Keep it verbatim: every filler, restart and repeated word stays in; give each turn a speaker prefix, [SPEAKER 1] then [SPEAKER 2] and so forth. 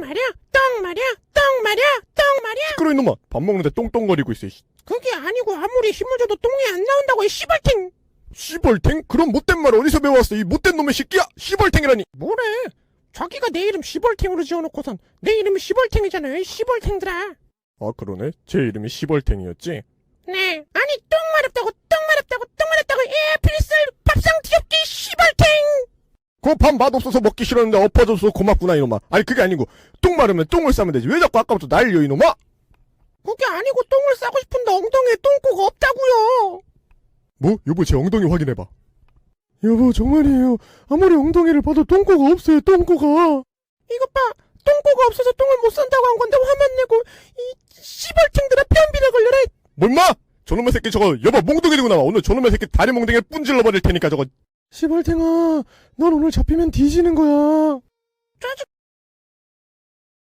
[SPEAKER 1] 말이야, 똥 말이야, 똥 말이야, 똥 말이야.
[SPEAKER 2] 시끄러 이놈아. 밥 먹는데 똥똥거리고 있어.
[SPEAKER 1] 그게 아니고 아무리 힘을 줘도 똥이 안 나온다고 이 씨발탱.
[SPEAKER 2] 시벌탱? 그런 못된 말 어디서 배워왔어? 이 못된 놈의 새끼야! 시벌탱이라니!
[SPEAKER 1] 뭐래? 자기가 내 이름 시벌탱으로 지어놓고선 내 이름이 시벌탱이잖아요, 이 씨벌탱들아.
[SPEAKER 2] 아 그러네? 제 이름이 시벌탱이었지?
[SPEAKER 1] 네, 아니 똥 마렵다고, 똥 마렵다고, 똥 마렵다고. 예, 필슬 밥상 뒤엎기 씨벌탱.
[SPEAKER 2] 그 밥 맛없어서 먹기 싫었는데 엎어져서 고맙구나 이놈아. 아니 그게 아니고 똥 마르면 똥을 싸면 되지. 왜 자꾸 아까부터 날려 이놈아?
[SPEAKER 1] 그게 아니고 똥을 싸고 싶은데 엉덩이에 똥꼬가 없다고요.
[SPEAKER 2] 뭐? 여보 제 엉덩이 확인해봐. 여보 정말이에요. 아무리 엉덩이를 봐도 똥꼬가 없어요. 똥꼬가.
[SPEAKER 1] 이것 봐, 똥꼬가 없어서 똥을 못 산다고 한 건데 화만 내고 이 씨벌탱들아 변비나 걸려라.
[SPEAKER 2] 뭐 임마! 저놈의 새끼 저거 여보 몽둥이 들고 나와. 오늘 저놈의 새끼 다리 몽둥이를 뿜질러 버릴 테니까 저거. 시벌탱아 넌 오늘 잡히면 뒤지는 거야.
[SPEAKER 1] 짜증